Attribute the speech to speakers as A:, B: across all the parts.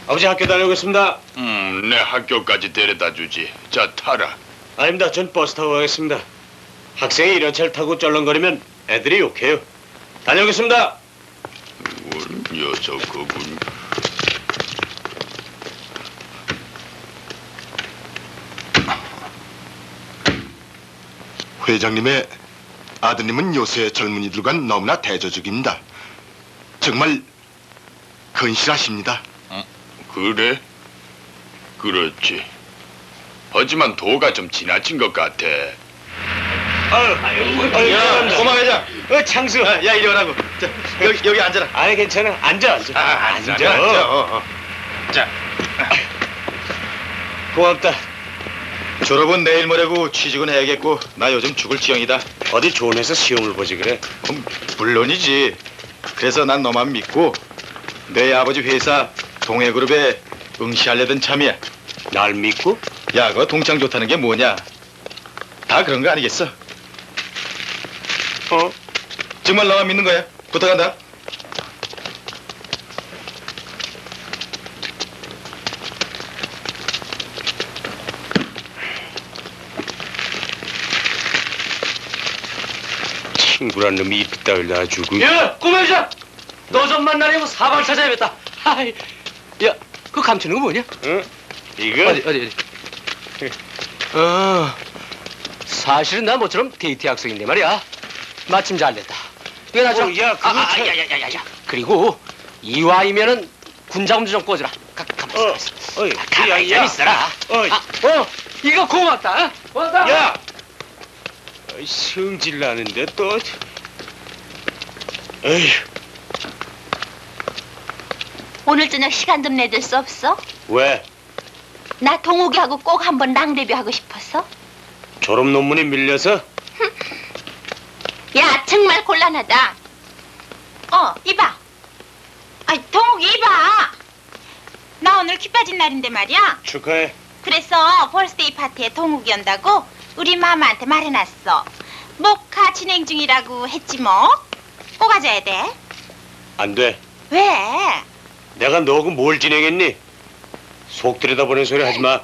A: 아버지 학교 다녀오겠습니다.
B: 내 학교까지 데려다 주지. 자, 타라.
A: 아닙니다. 전 버스 타고 가겠습니다. 학생이 이런 차를 타고 쩔렁거리면 애들이 욕해요. 다녀오겠습니다.
B: 녀석 그군.
C: 회장님의 아드님은 요새 젊은이들과 너무나 대조적입니다. 정말 건실하십니다.
B: 그래? 그렇지. 하지만 도가 좀 지나친 것 같아.
A: 야,
D: 고마 회장.
A: 창수.
D: 야, 이리 오라고. 자, 여기 앉아라.
A: 아니 괜찮아. 앉아.
D: 앉아. 자,
A: 고맙다.
D: 졸업은 내일 모레고 취직은 해야겠고 나 요즘 죽을 지경이다.
A: 어디 좋은 회사 시험을 보지 그래?
D: 물론이지. 그래서 난 너만 믿고 내 아버지 회사 동해그룹에 응시하려던 참이야.
A: 날 믿고?
D: 야, 그거 동창 좋다는 게 뭐냐? 다 그런 거 아니겠어? 정말 너만 믿는 거야? 부탁한다.
A: 친구란 놈이 이따위를 놔주고.
E: 야, 꼬마 여자! 너 좀 만나려면 사방 찾아야겠다. 하이, 야, 그 감추는 거 뭐냐?
A: 응? 이거?
E: 어디. 사실은 나 모처럼 데이트 약속인데 말이야. 마침 잘 됐다. 이거 나 좀.
A: 야, 그거 참-
E: 야야야야야. 그리고 이와이면은 군자금도 좀 꽂으라. 가만히 좀 있어라. 이거 고맙다. 고맙다.
A: 야! 성질 나는데 또. 에휴,
F: 오늘 저녁 시간 좀 내줄 수 없어?
A: 왜?
F: 나 동욱이하고 꼭 한번 랑데뷔 하고 싶어서.
A: 졸업 논문에 밀려서?
F: 야, 정말 곤란하다. 이봐. 동욱이 이봐. 나 오늘 키 빠진 날인데 말이야.
A: 축하해.
F: 그래서 벌스데이 파티에 동욱이 온다고 우리 마마한테 말해놨어. 목화 진행 중이라고 했지 뭐. 꼭 와줘야 돼.
A: 안 돼.
F: 왜?
A: 내가 너하고 뭘 진행했니? 속 들여다보는 소리 하지 마.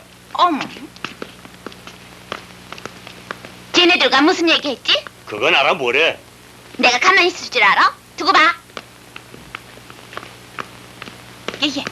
F: 쟤네들과 무슨 얘기했지?
A: 그건 알아 뭐래.
F: 내가 가만히 있을 줄 알아? 두고 봐. 얘.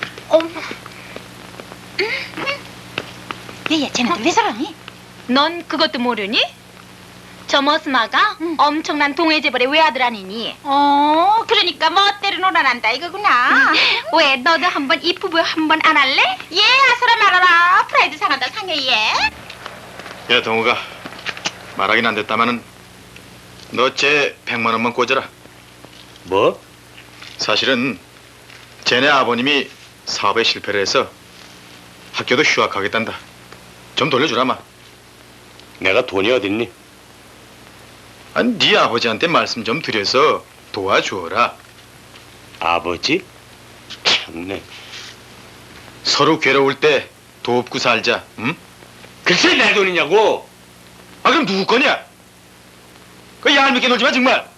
F: 얘, 쟤네들 왜 저러니? 넌 그것도 모르니? 저 머스마가 엄청난 동해재벌의 외아들 아니니? 그러니까 멋대로 놀아난다 이거구나. 왜, 너도 한번 이 부부 한번 안 할래? 예, 아서라 말아라. 프라이드 상한다 상해 얘.
D: 야, 동우가 말하긴 안 됐다마는 너 쟤 100만 원만 꽂아라.
A: 뭐?
D: 사실은 쟤네 아버님이 사업에 실패를 해서 학교도 휴학하겠단다. 좀 돌려주라마.
A: 내가 돈이 어딨니?
D: 아니, 네 아버지한테 말씀 좀 드려서 도와주어라.
A: 아버지? 참네.
D: 서로 괴로울 때 돕고 살자. 응?
A: 글쎄 내 돈이냐고.
D: 아, 그럼 누구 거냐? 그 얄밉게 놀지 마 정말.